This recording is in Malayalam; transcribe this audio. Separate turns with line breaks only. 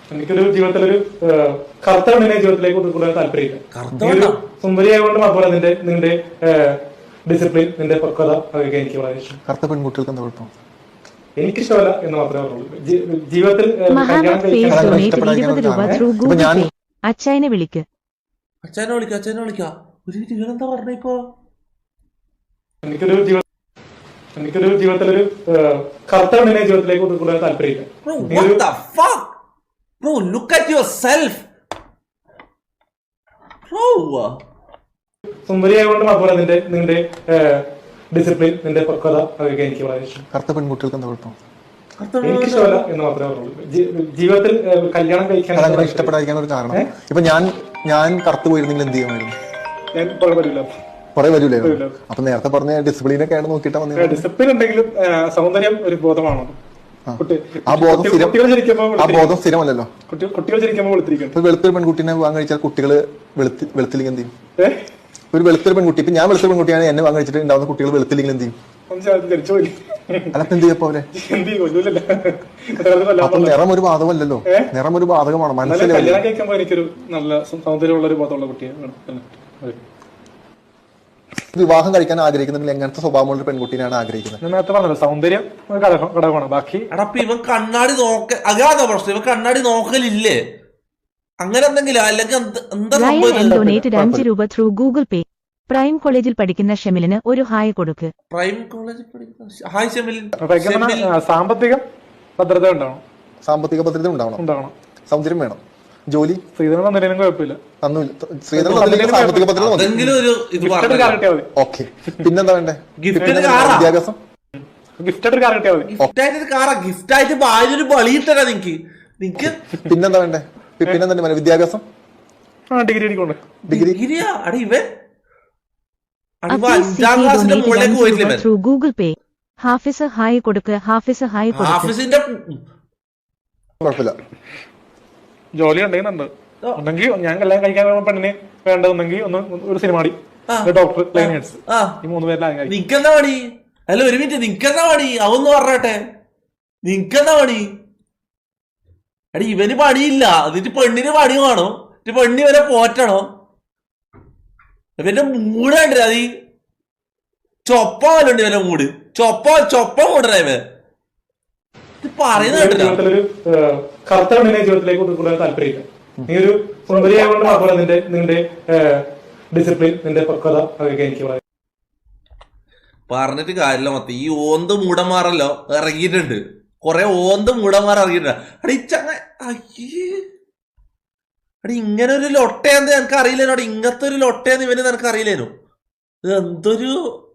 എനിക്കൊരു ജീവിതത്തിലൊരു കറുത്ത പെണ്ണിനെ ജീവിതത്തിലേക്ക് കൊണ്ടുവരാൻ താല്പര്യമില്ല. സുന്ദരിയായതുകൊണ്ട് മാത്രമല്ല നിന്റെ ഡിസിപ്ലിൻ, നിന്റെ പക്വത അതൊക്കെ എനിക്ക് വളരെ ഇഷ്ടം.
കറുത്ത പെൺകുട്ടികൾക്ക് എന്താ കുഴപ്പം?
എനിക്കിഷ്ടമല്ല എന്ന് മാത്രമേ പറഞ്ഞുള്ളൂ. ജീവിതത്തിൽ
അച്ഛനെ വിളിക്ക.
എനിക്കൊരു ജീവിതത്തിലൊരു കറുത്ത പെണ്ണിനെ ജീവിതത്തിലേക്ക് കൊണ്ടുവരാൻ താല്പര്യമില്ല.
Bro, look at yourself. Bro.
സുന്ദരിയായതുകൊണ്ട് മാത്രമല്ല നിന്റെ ഡിസിപ്ലിൻ, നിന്റെ പക്വത അതൊക്കെ എനിക്ക് വളരെ ഇഷ്ടം.
കറുത്ത പെൺകുട്ടികൾക്ക് എന്താ കുഴപ്പം?
എനിക്കിഷ്ടമല്ല എന്ന് മാത്രമേ പറഞ്ഞുള്ളൂ. ജീവിതത്തിൽ കല്യാണം കഴിക്കാൻ
ഇഷ്ടപ്പെടാതിരിക്കാൻ ഒരു കാരണം. ഇപ്പൊ ഞാൻ കറുത്ത് പോയിരുന്നെങ്കിൽ എന്ത് ചെയ്യുമായിരുന്നു? കുറെ വരൂലേ? അപ്പൊ നേരത്തെ പറഞ്ഞ ഡിസിപ്ലിനൊക്കെയാണ് നോക്കിയിട്ടാ വന്നത്.
ഡിസിപ്ലിൻ ഉണ്ടെങ്കിലും സൗന്ദര്യം ഒരു ബോധമാണോ?
ആ ബോധം സ്ഥിരമല്ലല്ലോ.
കുട്ടികൾ ജനിക്കുമ്പോൾ
വെളുത്തൊരു പെൺകുട്ടീനെ വിവാഹം കഴിച്ചാൽ കുട്ടികള് വെളുത്തില്ലെങ്കിൽ എന്ത് ചെയ്യും? ഒരു വെളുത്തൊരു പെൺകുട്ടി, ഇപ്പൊ ഞാൻ വെളുത്തൊരു പെൺകുട്ടിയാണ്, എന്നെ വിവാഹം കഴിച്ചിട്ട് ഉണ്ടാവുന്ന കുട്ടികൾ വെളുത്തില്ലെങ്കിൽ എന്ത് ചെയ്യും? അതൊക്കെ എന്ത് ചെയ്യപ്പോ അവരെ? അപ്പൊ നിറം ഒരു ബാധകമല്ലല്ലോ. നിറം ഒരു ബാധകമാണ്. മനസ്സിലായി
എനിക്കൊരു നല്ല സൗന്ദര്യമുള്ള ഒരു ബോധമുള്ള കുട്ടിയാണ്.
വിവാഹം കഴിക്കാൻ ആഗ്രഹിക്കുന്നുണ്ടെങ്കിൽ എങ്ങനത്തെ സ്വഭാവമുള്ള ഒരു പെൺകുട്ടീനാണ് ആഗ്രഹിക്കുന്നത്?
നേരത്തെ പറഞ്ഞല്ലോ, സൗന്ദര്യം ഘടകമാണ്. ബാക്കി
ഇവൻ കണ്ണാടി അതാ പ്രശ്നം. ഇവൻ കണ്ണാടി നോക്കലില്ലേ? അങ്ങനെ എന്തെങ്കിലും അല്ലെങ്കിൽ
ഗൂഗിൾ പേ. പ്രൈം കോളേജിൽ പഠിക്കുന്ന ഷെമിലിന് ഒരു ഹായ് കൊടുക്ക്.
പ്രൈം കോളേജിൽ പഠിക്കുന്ന ഹായ് ഷെമിലിൻ.
സാമ്പത്തിക ഭദ്രത ഉണ്ടാവണം.
സാമ്പത്തിക ഭദ്രത ഉണ്ടാവണം. സൗന്ദര്യം വേണം. ജോലി
ശ്രീധരൻ തന്നില്ലെങ്കിലും കുഴപ്പമില്ല.
സാമ്പത്തിക ഭദ്രത. ഓക്കെ, പിന്നെന്താ വേണ്ടേ? വിദ്യാഭ്യാസം. പിന്നെന്താ വേണ്ടേ? പിന്നെന്താ വിദ്യാഭ്യാസം.
ഗൂഗിൾ പേ. ഹാഫിസ് ഹായ് കൊടുക്ക്. ഹാഫിസ് ഹായ് കൊടുക്ക്.
കുഴപ്പമില്ല.
ജോലി ഉണ്ടെങ്കിൽ ഞാൻ കല്യാണം കഴിക്കാൻ പെണ്ണിന് വേണ്ടതെങ്കിൽ ഒരു സിനിമാടി, ഡോക്ടർ, ലൈൻ നേഴ്സ്, ഈ 3 പേരിലാണ്.
നിക്കെന്താ പണി? അല്ല, ഒരു മിനിറ്റ്, നിക്കെന്താ പണി? അതൊന്ന് പറഞ്ഞട്ടെ, നിക്കെന്താ പണി? എടി, ഇവന് പണിയില്ല, എന്നിട്ട് പെണ്ണിന് പണി വേണം, പെണ്ണി വരെ പോറ്റണോ? ഇവന്റെ മൂട് കണ്ടേ? അത് ചൊപ്പ പോലുണ്ട് ഇവന്റെ മൂട്. ചൊപ്പ മൂടണ ഇവൻ പറയുന്നത്.
കറുത്ത പെണ്ണിനെ ജീവിതത്തിലേക്ക് കൊണ്ടുവരാൻ താല്പര്യമില്ല. നീ ഒരു സുന്ദരിയായതുകൊണ്ട് മാത്രമല്ല നിന്റെ ഡിസിപ്ലിൻ, നിന്റെ പക്വത അതൊക്കെ എനിക്ക് വളരെ.
പറഞ്ഞിട്ട് കാര്യമില്ല. മൊത്തം ഈ ഓന്ത് മൂടന്മാരല്ലോ ഇറങ്ങിയിട്ടുണ്ട്. കൊറേ ഓന്ത് മൂടന്മാർ ഇറങ്ങിയിട്ടുണ്ട്. അടി ഇങ്ങനെ ഒരു ലൊട്ടയാന്ന് എനിക്ക് അറിയില്ലേനോ. ഇങ്ങനത്തെ ഒരു ലൊട്ടയാന്ന് ഇവന് നിനക്ക് അറിയില്ലേനോ? ഇത് എന്തൊരു